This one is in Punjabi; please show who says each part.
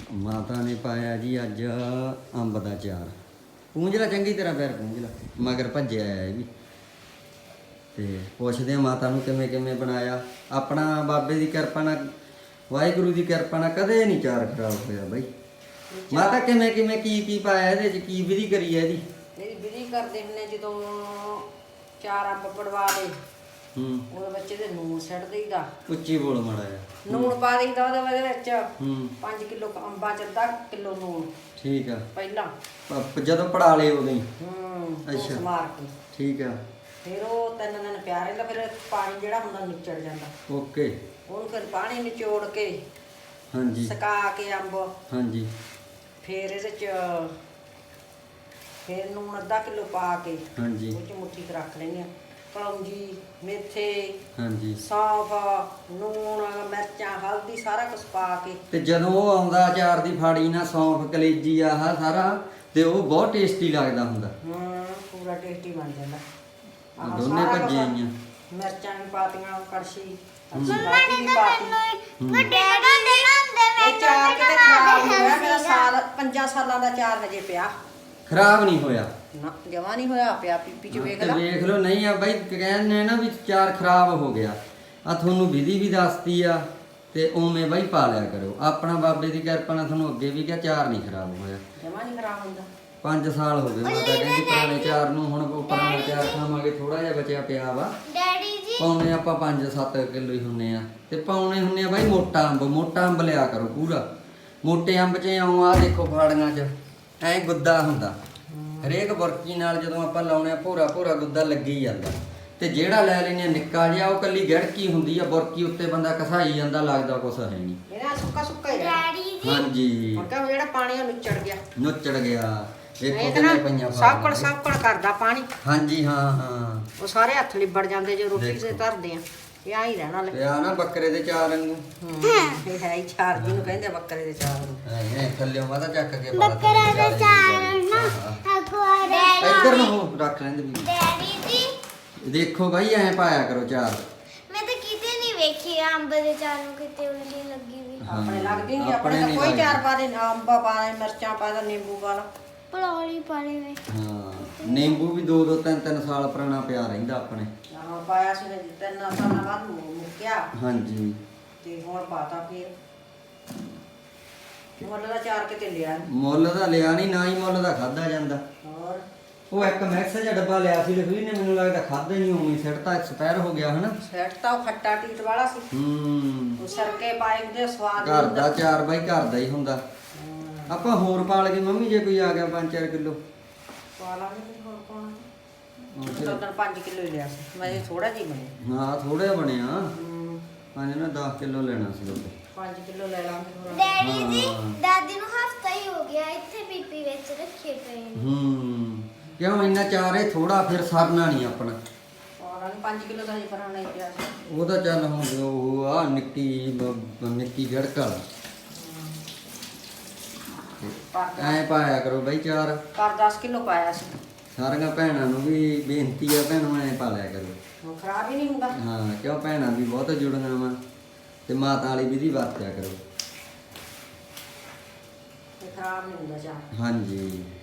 Speaker 1: ਮਾਤਾ ਨੇ ਪਾਇਆ ਜੀ ਅੱਜ ਅੰਬ ਦਾ ਚਾਰ। ਪੂੰਝ ਲਾ ਚੰਗੀ ਤਰ੍ਹਾਂ, ਪੈਰ ਪੂੰਝ ਲਾ, ਮਗਰ ਭੱਜਿਆ ਆ ਇਹ ਵੀ। ਤੇ ਪੁੱਛਦੇ ਆ ਮਾਤਾ ਨੂੰ ਕਿਵੇਂ ਕਿਵੇਂ ਬਣਾਇਆ। ਆਪਣਾ ਬਾਬੇ ਦੀ ਕਿਰਪਾ ਨਾਲ, ਵਾਹਿਗੁਰੂ ਦੀ ਕਿਰਪਾ ਨਾਲ ਕਦੇ ਨਹੀਂ ਚਾਰ ਖਰਾਬ ਹੋਇਆ ਬਾਈ। ਮਾਤਾ ਕਿਵੇਂ ਕਿਵੇਂ ਕੀ ਪਾਇਆ ਇਹਦੇ ਚ, ਕੀ ਵਿਧੀ ਕਰੀ ਹੈ ਇਹਦੀ?
Speaker 2: ਇਹਦੀ ਵਿਧੀ ਕਰਦੇ ਹੁੰਦੇ ਜਦੋਂ ਚਾਰ ਅੰਬ ਪੜਵਾ ਲਏ, ਉਹਦੇ ਬੱਚੇ ਦੇ ਨੂਣ ਸਿੱਟ ਦੇਈਦਾ।
Speaker 1: ਉੱਚੀ ਬੋਲ ਮਾੜਾ ਜਿਹਾ।
Speaker 2: ਨੂਣ ਪਾ ਦੇਈਦਾ ਉਹਦੇ ਵਿੱਚ 5 ਕਿਲੋ ਅੰਬਾਂ ਚ ਅੱਧਾ ਕਿਲੋ ਨੂਣ।
Speaker 1: ਠੀਕ ਆ।
Speaker 2: ਪਹਿਲਾਂ
Speaker 1: ਜਦੋਂ ਪੜਾ ਲਏ ਉਦੋਂ ਹੀ?
Speaker 2: ਅੱਛਾ, ਮਾਰ ਕੇ
Speaker 1: ਠੀਕ ਆ।
Speaker 2: ਫਿਰ ਉਹ 3 ਦਿਨ ਪਿਆ ਰਹਿੰਦਾ, ਫਿਰ ਪਾਣੀ ਜਿਹੜਾ ਹੁੰਦਾ ਨਿਚੜ ਜਾਂਦਾ।
Speaker 1: ਓਕੇ।
Speaker 2: ਉਹਨੂੰ ਫਿਰ ਪਾਣੀ ਨਿਚੋੜ ਕੇ,
Speaker 1: ਹਾਂਜੀ,
Speaker 2: ਸੁਕਾ ਕੇ ਅੰਬ,
Speaker 1: ਹਾਂਜੀ,
Speaker 2: ਫਿਰ ਇਹਦੇ ਚ ਫਿਰ ਨੂਣ ਅੱਧਾ ਕਿਲੋ ਪਾ ਕੇ,
Speaker 1: ਹਾਂਜੀ,
Speaker 2: ਉਹ ਚ ਮੁੱਠੀ ਕੁ ਰੱਖ ਲੈਣੀ ਆ। ਕਲੌਂਜੀ, ਮੇਥੇ,
Speaker 1: ਹਾਂਜੀ,
Speaker 2: ਸੌਂਫ, ਨੂਣ, ਮਿਰਚਾਂ, ਹਲਦੀ ਸਾਰਾ ਕੁਝ ਪਾ ਕੇ।
Speaker 1: ਤੇ ਜਦੋਂ ਉਹ ਆਉਂਦਾ ਅਚਾਰ ਦੀ ਫਾੜੀ ਨਾਲ, ਸੌਂਫ, ਕਲੇਜੀ, ਆਹ ਸਾਰਾ, ਤੇ ਉਹ ਬਹੁਤ ਟੇਸਟੀ ਲੱਗਦਾ ਹੁੰਦਾ।
Speaker 2: ਪੂਰਾ ਟੇਸਟੀ ਬਣ ਜਾਂਦਾ।
Speaker 1: ਦੋਨੇ ਭੱਜੀਆਂ ਆਈਆਂ।
Speaker 2: ਮਿਰਚਾਂ ਵੀ ਪਾਤੀਆਂ, ਕੜਛੀ
Speaker 3: ਮੰਮਾ ਨੇ ਤਾਂ ਮੈਨੂੰ ਵੱਡੇ ਡਾਂਡੇ ਲਾਉਂਦੇ
Speaker 2: ਇਹ ਚਾਰ ਕਿਤੇ ਖਰਾਬ ਨਹੀਂ ਹੋਇਆ ਮੇਰਾ। 5 ਸਾਲਾਂ ਦਾ ਚਾਰ ਹਜੇ ਪਿਆ,
Speaker 1: ਖਰਾਬ ਨਹੀਂ ਹੋਇਆ
Speaker 2: ਨਾ ਜਮਾ ਨਹੀਂ ਹੋਇਆ ਪਿਆ। ਪੀਪੀ ਚ ਵੇਖ
Speaker 1: ਤੇ
Speaker 2: ਲੈ,
Speaker 1: ਵੇਖ ਲਓ। ਨਹੀਂ ਆ ਬਾਈ, ਕਹਿੰਦੇ ਨਾ ਵੀ ਚਾਰ ਖਰਾਬ ਹੋ ਗਿਆ। ਆ ਤੁਹਾਨੂੰ ਵਿਧੀ ਵੀ ਦੱਸਤੀ ਆ, ਤੇ ਉਵੇਂ ਬਾਈ ਪਾ ਲਿਆ ਕਰੋ। ਆਪਣਾ ਬਾਬੇ ਦੀ ਕਿਰਪਾ ਨਾਲ ਤੁਹਾਨੂੰ ਅੱਗੇ ਵੀ ਕਿਹਾ ਚਾਰ ਨਹੀਂ ਖਰਾਬ ਹੋਇਆ।
Speaker 2: ਜਮਾ ਨਹੀਂ ਖਰਾਬ ਹੁੰਦਾ।
Speaker 1: 5 ਸਾਲ ਹੋ ਗਏ ਮਾਤਾ ਕਹਿੰਦੀ ਪੁਰਾਣੇ ਚਾਰ ਨੂੰ। ਹੁਣ ਉਹ ਪੁਰਾਣਾ ਚਾਰ ਖਾਵਾਂਗੇ, ਥੋੜਾ ਜਿਹਾ ਬਚਿਆ ਪਿਆ ਵਾ।
Speaker 3: ਡੈਡੀ ਜੀ
Speaker 1: ਪਾਉਣੇ ਆਪਾਂ 5-7 ਕਿਲੋ ਹੀ ਹੁੰਨੇ ਆ, ਤੇ ਪਾਉਣੇ ਹੁੰਨੇ ਆ ਬਾਈ ਮੋਟਾ ਅੰਬ। ਮੋਟਾ ਅੰਬ ਲਿਆ ਕਰੋ ਪੂਰਾ। ਮੋਟੇ ਅੰਬ 'ਚ ਆਉਂ ਆ ਦੇਖੋ ਫਾੜੀਆਂ 'ਚ ਐਂ ਗੁੱਦਾ ਹੁੰਦਾ। ਹਰੇਕ ਬੁਰਕੀ ਨਾਲ ਜਦੋਂ ਆਪਾਂ ਲਾਉਣੇ ਆ, ਭੋਰਾ ਭੋਰਾ ਗੁੱਦਾ ਲੱਗੀ ਜਾਂਦਾ। ਤੇ ਜਿਹੜਾ ਲੈ ਲੈਨੇ ਆ ਨਿੱਕਾ ਜਿਹਾ, ਉਹ ਕੱਲੀ ਗੜਕੀ ਹੁੰਦੀ ਆ। ਬੁਰਕੀ ਉੱਤੇ ਬੰਦਾ ਘਸਾਈ ਜਾਂਦਾ, ਲੱਗਦਾ ਕੁਛ ਹੈ ਨਹੀਂ।
Speaker 2: ਇਹਦਾ ਸੁੱਕਾ ਸੁੱਕਾ ਹੀ ਰਹਿਣਾ।
Speaker 3: ਡੈਡੀ ਜੀ
Speaker 1: ਹਾਂਜੀ,
Speaker 2: ਹੁਣ ਕਹ ਜਿਹੜਾ ਪਾਣੀ ਉਹ ਨੁੱਚੜ ਗਿਆ,
Speaker 1: ਨੁੱਚੜ ਗਿਆ।
Speaker 2: ਇਹ
Speaker 1: ਦੇਖੋ
Speaker 2: ਤਾਂ ਨਾ
Speaker 1: ਕਿੰਨੇ ਪਈਆਂ
Speaker 2: ਸਾਕੜ ਸਾਕੜ ਕਰਦਾ ਪਾਣੀ।
Speaker 1: ਹਾਂਜੀ, ਹਾਂ ਹਾਂ।
Speaker 2: ਉਹ ਸਾਰੇ ਹੱਥ ਲਿਬੜ ਜਾਂਦੇ ਜੇ ਰੋਟੀ ਤੇ
Speaker 1: ਦੇਖੋ।
Speaker 2: ਧਰਦੇ ਆ। ਇਹ ਆ ਹੀ ਰਹਿਣਾ ਲੈ।
Speaker 1: ਤੇ ਆ ਨਾ ਬੱਕਰੇ ਦੇ ਚਾਰ ਵਾਂਗੂ
Speaker 2: ਇਹ ਹੈ ਹੀ ਚਾਰ, ਜਿਹਨੂੰ ਕਹਿੰਦੇ ਆ ਬੱਕਰੇ ਦੇ ਚਾਰ ਨੂੰ।
Speaker 1: ਐ ਥੱਲੇ ਮਾਤਾ ਚੱਕ ਕੇ ਪਾ
Speaker 3: ਬੱਕਰਾ ਦਾ ਚਾਰ ਨਾ ਅਕਵਾਰੇ
Speaker 1: ਇੱਧਰ ਨੂੰ ਹੋ ਰੱਖ ਲੈਂਦੇ ਵੀ।
Speaker 3: ਡੈਡੀ ਜੀ
Speaker 1: ਦੇਖੋ ਬਾਈ ਐ ਪਾਇਆ ਕਰੋ ਚਾਰ।
Speaker 3: ਮੈਂ ਤਾਂ ਕਿਤੇ ਨਹੀਂ ਵੇਖੀ ਅੰਬ ਦੇ ਚਾਰ ਨੂੰ ਕਿਤੇ ਉਲਟੀ ਲੱਗੀ ਵੀ।
Speaker 2: ਆਪਣੇ ਲੱਗਦੀ ਨਹੀਂ,
Speaker 1: ਆਪਣੇ
Speaker 2: ਆਪਣੇ ਤਾਂ
Speaker 1: ਨਹੀਂ
Speaker 2: ਕੋਈ
Speaker 1: ਲੱਗਦੀ।
Speaker 2: ਚਾਰ ਪਾ ਦੇ, ਅੰਬਾ ਪਾ ਦੇ, ਮਿਰਚਾਂ ਪਾ ਦੇ, ਨਿੰਬੂ ਪਾ ਲਾ।
Speaker 3: ਪਲੌਲੀ ਪਾਣੀ ਵੇ
Speaker 1: ਹਾਂ, ਨਿੰਬੂ ਵੀ 2-2 3-3 ਸਾਲ ਪੁਰਾਣਾ ਪਿਆ ਰਹਿੰਦਾ ਆਪਣੇ।
Speaker 2: ਆਹ ਪਾਇਆ ਸੀ ਨੇ 3 ਸਾਲਾਂ ਬਾਅਦ ਮੁੱਕਿਆ,
Speaker 1: ਹਾਂਜੀ,
Speaker 2: ਤੇ ਹੁਣ ਪਾਤਾ ਫਿਰ। ਮੁੱਲ ਦਾ ਚਾਰ ਕਿਤੇ ਲਿਆ ਨੀ।
Speaker 1: ਮੁੱਲ ਦਾ ਲਿਆ ਨਹੀਂ, ਨਾ ਹੀ ਮੁੱਲ ਦਾ ਖਾਦਾ ਜਾਂਦਾ।
Speaker 2: ਹੋਰ
Speaker 1: ਉਹ ਇੱਕ ਮਿਕਸ ਜਿਹਾ ਡੱਬਾ ਲਿਆ ਸੀ ਲਖਵੀਰ ਨੇ, ਮੈਨੂੰ ਲੱਗਦਾ ਖਾਦਾ ਹੀ ਨਹੀਂ, ਉਵੇਂ ਸਿੱਟਤਾ, ਐਕਸਪਾਇਰ ਹੋ ਗਿਆ ਹਨਾ।
Speaker 2: ਸੈਟ ਤਾਂ ਉਹ ਖੱਟਾ ਟੀਟ ਵਾਲਾ ਸੀ। ਉਹ ਸਰਕੇ ਪਾਏ ਹੁੰਦੇ, ਸਵਾਦ
Speaker 1: ਘਰ ਦਾ ਚਾਰ ਬਾਈ ਘਰ ਦਾ ਹੀ ਹੁੰਦਾ। ਆਪਾਂ ਹੋਰ ਪਾਲ ਕੇ ਮੰਮੀ, ਜੇ ਕੋਈ ਆ ਗਿਆ 5-4 ਕਿਲੋ
Speaker 2: ਪਾ ਲਾਂਗੇ। ਹੋਰ ਪਾਉਣਾ ਤਾਂ 5 ਕਿਲੋ ਹੀ ਲਿਆ ਸੀ ਮੈਂ, ਥੋੜਾ ਜਿਹਾ ਬਣਿਆ।
Speaker 1: ਹਾਂ, ਥੋੜਾ ਬਣਿਆ। 5 ਨਾ 10 ਕਿਲੋ ਲੈਣਾ ਸੀ ਉਹਦੇ।
Speaker 2: 5 ਕਿਲੋ ਲੈ ਲਾਂਗੇ ਥੋੜਾ।
Speaker 3: ਡੈਡੀ ਜੀ
Speaker 1: ਹਾਂ।
Speaker 3: ਦਾਦੀ ਨੂੰ ਹਫਤਾ ਹੀ ਹੋ ਗਿਆ ਇੱਥੇ ਪੀਪੀ ਵਿੱਚ ਰੱਖੇ ਪਏ ਨੇ।
Speaker 1: ਕਿਉਂ ਇੰਨਾ ਚਾਰ ਹੈ ਥੋੜਾ, ਫਿਰ ਸਰਨਾ ਨਹੀਂ ਆਪਣਾ।
Speaker 2: ਪਾ ਲਾਂਗੇ 5 ਕਿਲੋ ਦਾ ਹੀ ਬਣਾਉਣਾ ਹੀ ਪਿਆ ਸੀ।
Speaker 1: ਉਹ ਤਾਂ ਚੱਲ ਹੁਣ ਉਹ ਆ ਨਿੱਕੀ ਗੜਕ ਵਾਲਾ ਐ ਪਾਇਆ ਕਰੋ ਬਾਈ ਚਾਰ।
Speaker 2: ਪਰ 10 ਕਿਲੋ ਪਾਇਆ ਸੀ।
Speaker 1: ਸਾਰੀਆਂ ਭੈਣਾਂ ਨੂੰ ਵੀ ਬੇਨਤੀ ਆ, ਭੈਣਾਂ ਐ ਪਾ ਲਿਆ ਕਰੋ।
Speaker 2: ਹੁਣ ਖਰਾਬ ਹੀ ਨਹੀਂ ਹੁੰਦਾ।
Speaker 1: ਹਾਂ, ਕਿਉਂ ਭੈਣਾਂ ਵੀ ਬਹੁਤ ਜੁੜੀਆਂ ਵਾ, ਤੇ ਮਾਤਾ ਵਾਲੀ ਵਿਧੀ ਵਰਤਿਆ ਕਰੋ।
Speaker 2: ਤੇ ਖਰਾਬ ਨਹੀਂ ਹੁੰਦਾ ਚਾਹ।
Speaker 1: ਹਾਂਜੀ।